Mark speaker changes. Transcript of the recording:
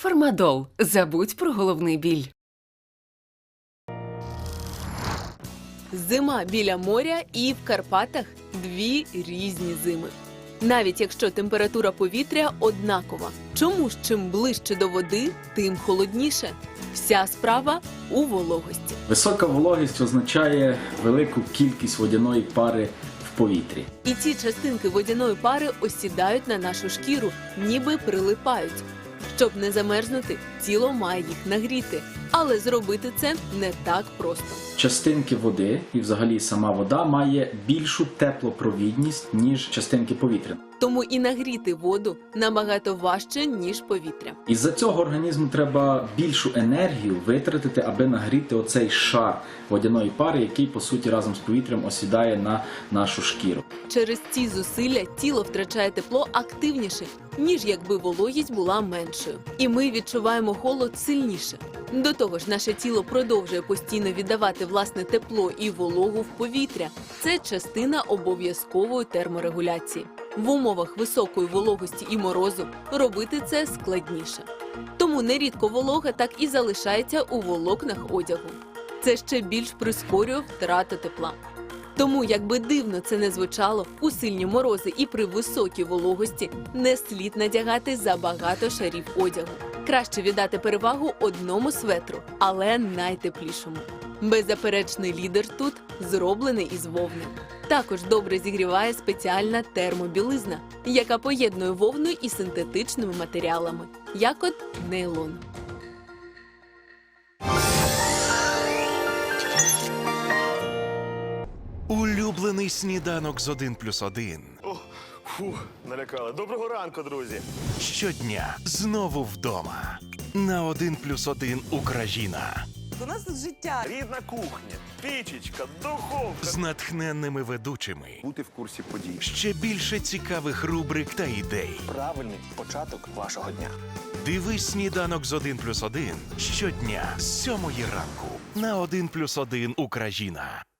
Speaker 1: Фармадол. Забудь про головний біль.
Speaker 2: Зима біля моря і в Карпатах – дві різні зими. Навіть якщо температура повітря однакова. Чому ж чим ближче до води, тим холодніше? Вся справа у вологості.
Speaker 3: Висока вологість означає велику кількість водяної пари в повітрі.
Speaker 2: І ці частинки водяної пари осідають на нашу шкіру, ніби прилипають. Щоб не замерзнути, тіло має їх нагріти. Але зробити це не так просто.
Speaker 3: Частинки води і взагалі сама вода має більшу теплопровідність, ніж частинки повітря.
Speaker 2: Тому і нагріти воду набагато важче, ніж повітря.
Speaker 3: Із-за цього організму треба більшу енергію витратити, аби нагріти оцей шар водяної пари, який, по суті, разом з повітрям осідає на нашу шкіру.
Speaker 2: Через ці зусилля тіло втрачає тепло активніше, ніж якби вологість була меншою. І ми відчуваємо холод сильніше. До того ж, наше тіло продовжує постійно віддавати власне тепло і вологу в повітря. Це частина обов'язкової терморегуляції. В умовах високої вологості і морозу робити це складніше. Тому нерідко волога так і залишається у волокнах одягу. Це ще більш прискорює втрату тепла. Тому, якби дивно це не звучало, у сильні морози і при високій вологості не слід надягати забагато шарів одягу. Краще віддати перевагу одному светру, але найтеплішому. Беззаперечний лідер тут зроблений із вовни. Також добре зігріває спеціальна термобілизна, яка поєднує вовну із синтетичними матеріалами, як от нейлон.
Speaker 4: Улюблений сніданок з 1+1.
Speaker 5: Фух, налякали. Доброго ранку, друзі.
Speaker 4: Щодня знову вдома. На 1+1 Україна.
Speaker 6: У нас тут життя.
Speaker 5: Рідна кухня, пічечка, духовка.
Speaker 4: З натхненними ведучими.
Speaker 5: Бути в курсі подій.
Speaker 4: Ще більше цікавих рубрик та ідей.
Speaker 5: Правильний початок вашого дня.
Speaker 4: Дивись сніданок з 1+1 щодня з 7 ранку. На 1+1 Україна.